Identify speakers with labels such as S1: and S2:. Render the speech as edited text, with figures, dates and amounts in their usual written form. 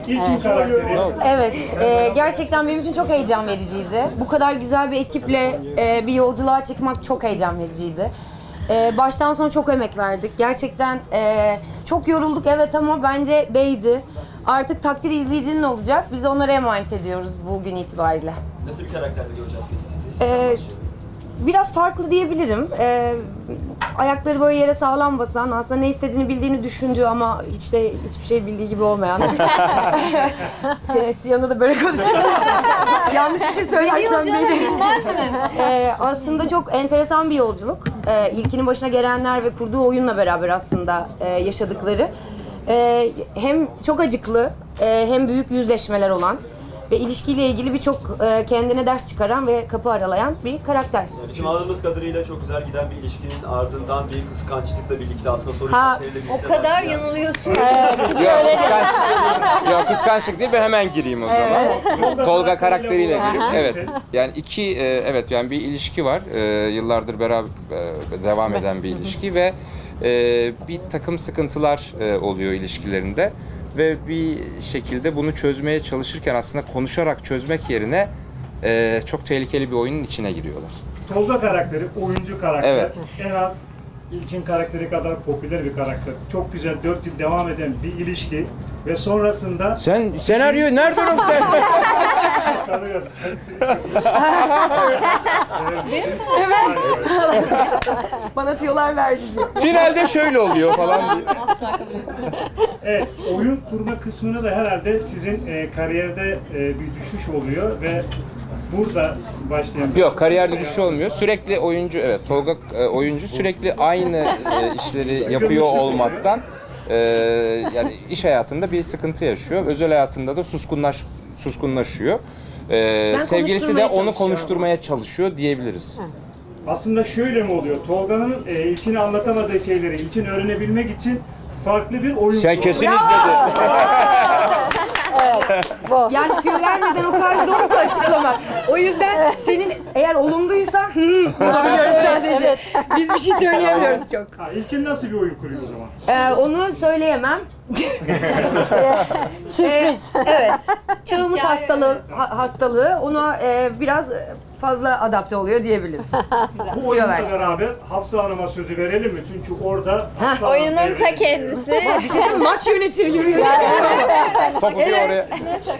S1: İlkin karakteri.
S2: Evet, gerçekten benim için çok heyecan vericiydi. Bu kadar güzel bir ekiple bir yolculuğa çıkmak çok heyecan vericiydi. Baştan sona çok emek verdik. Gerçekten çok yorulduk evet ama bence değdi. Artık takdir izleyicinin olacak. Biz onlara emanet ediyoruz bugün itibariyle.
S3: Nasıl bir karakterde göreceğiz peki sizi?
S2: Biraz farklı diyebilirim. Ayakları böyle yere sağlam basan, aslında ne istediğini bildiğini düşündüğü ama hiçbir şey bildiği gibi olmayan. Senin yanında da böyle konuşuyor. Yanlış bir şey söylersem beni.
S4: Bilmez mi?
S2: Aslında çok enteresan bir yolculuk. İlkinin başına gelenler ve kurduğu oyunla beraber aslında yaşadıkları. Hem çok acıklı, hem büyük yüzleşmeler olan ve ilişkiyle ilgili birçok kendine ders çıkaran ve kapı aralayan bir karakter.
S3: Bizim anladığımız kadarıyla çok güzel giden bir ilişkinin ardından bir kıskançlıkla birlikte aslında soru
S2: Ha,
S3: işaretleriyle birlikte
S4: O kadar
S3: başlayan-
S4: yanılıyorsun.
S5: Yok kıskançlık değil, ben hemen gireyim o zaman. Tolga karakteriyle gireyim. Evet. Yani evet yani bir ilişki var. Yıllardır beraber devam eden bir ilişki ve bir takım sıkıntılar oluyor ilişkilerinde ve bir şekilde bunu çözmeye çalışırken aslında konuşarak çözmek yerine çok tehlikeli bir oyunun içine giriyorlar.
S1: Tolga karakteri, oyuncu karakter.
S5: Evet.
S1: En az İlkin karakteri kadar popüler bir karakter. Çok güzel 4 yıl devam eden bir ilişki ve sonrasında
S5: Sen senaryoyu nereden oğlum sen?
S1: Tanıyorum.
S2: Bana tüyolar verdi diyor.
S5: Finalde şöyle oluyor falan diye.
S1: Evet, oyun kurma kısmını da herhalde sizin kariyerde bir düşüş oluyor ve burada başlayan...
S5: Yok, kariyerde düşüş olmuyor. Sürekli oyuncu, evet Tolga oyuncu sürekli aynı işleri yapıyor olmaktan yani iş hayatında bir sıkıntı yaşıyor. Özel hayatında da suskunlaşıyor. Sevgilisi de onu konuşturmaya çalışıyor diyebiliriz.
S1: Aslında şöyle mi oluyor? Tolga'nın İlkin'e anlatamadığı şeyleri İlkin öğrenebilmek için farklı bir oyun
S5: Sen
S1: kurdu.
S5: kesin izledin.
S2: Yani tüyo vermeden o kadar zor ki açıklamak. O yüzden senin eğer olumluysa yapabiliyoruz sadece. Biz bir şey söyleyemiyoruz çok.
S1: Ha, İlkin nasıl bir oyun kuruyor o zaman?
S2: Onu söyleyemem.
S4: Sürpriz.
S2: Evet. Çağımız hastalığı ona biraz fazla adapte oluyor diyebiliriz.
S1: Bu oyunla
S2: verdim.
S1: beraber Hafsa Hanım'a sözü verelim mi? Çünkü orada Hafsa Hanım
S4: Oyunun ta
S1: devreye giriyor.
S4: kendisi.
S2: Bir şey söyleyeyim, maç yönetir gibi.
S5: Topu bir oraya.